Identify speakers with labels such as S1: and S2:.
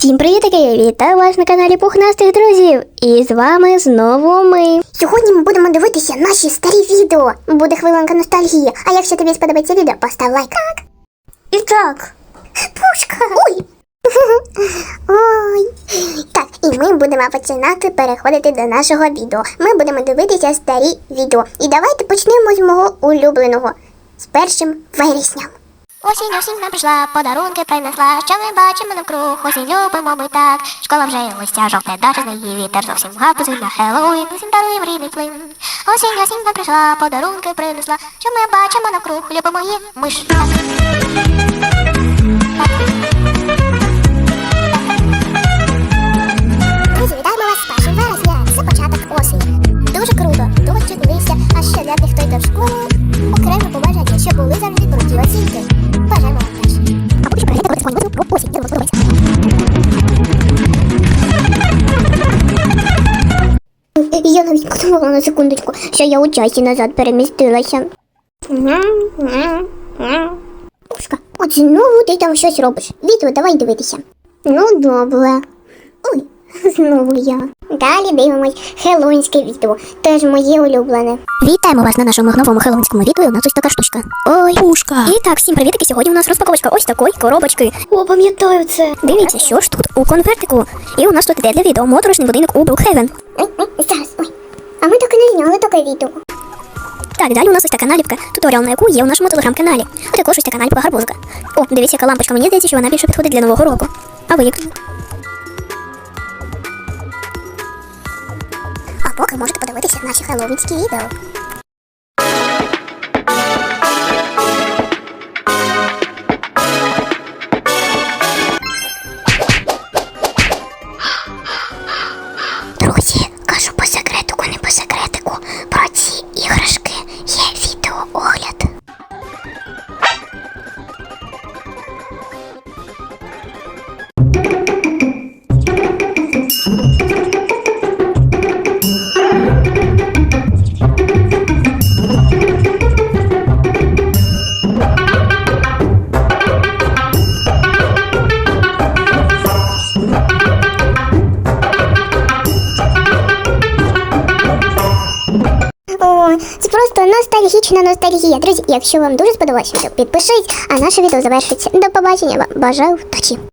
S1: Всім привітки! Вітаю вас на каналі Пухнастих друзів! І з вами знову ми.
S2: Сьогодні ми будемо дивитися наші старі відео. Буде хвилинка ностальгії. А якщо тобі сподобається відео, постав лайк. Так.
S1: І так.
S2: Пушка. Ой. Ой. Так, і ми будемо починати переходити до нашого відео. Ми будемо дивитися старі відео. І давайте почнемо з мого улюбленого. З 1 вересня.
S3: Осінь нам прийшла, подарунки принесла, що ми бачимо навкруг, осінь любимо ми так. Школа вже листя жовте, дача з неї вітер, зовсім гапузи на Хеллоуін, усім даруєм рідний плин. Осінь нам прийшла, подарунки принесла, що ми бачимо навкруг, любимо її ми ж так.
S2: Друзі, вітаємо вас з 1 вересня. Це початок осені. Дуже круто, дощ дивився, а ще для тих, хто йде в школу, окремо побажання, щоб були завжди круті оцінки. Бажаємо вам теж. А поки що переглядайте коли про осінь, де вам подобається.
S1: Я навіть подумала на секундочку, що я у часі назад перемістилася. Пушка, от знову ти там щось робиш. Відео давай дивитися. Ну, добре. Ой, знову я. Далі дивимось хеллоуінське відео, теж моє улюблене.
S3: Вітаємо вас на нашому новому хеллоуінському відео, у нас ось така штучка. Ой, пушка. І так, всім привітки, сьогодні у нас розпаковочка ось такої коробочки.
S1: О, пам'ятаю це.
S3: Дивіться, що ж тут у конвертику. І у нас тут іде для відео моторошний будинок у Брукхевен.
S2: Ой, зараз, ой. А ми так і не зняли таке відео.
S3: Так, далі у нас ось така наліпка, туторіал на яку є у нашому телеграм-каналі. А також ось така наліпка гарбузика. О, дивіться, яка лампочка, мені здається, що вона більше підходить для Нового року. А ви як?
S2: А поки можете подивитися наші хеллоуінські відео.
S1: Друзі, кажу по секретику, не по секретику. Про ці іграшки є відеоогляд.
S2: О, це просто ностальгічна ностальгія. Друзі, якщо вам дуже сподобалось відео, підпишіть, а наше відео завершиться. До побачення вам. Бажаю вдачі.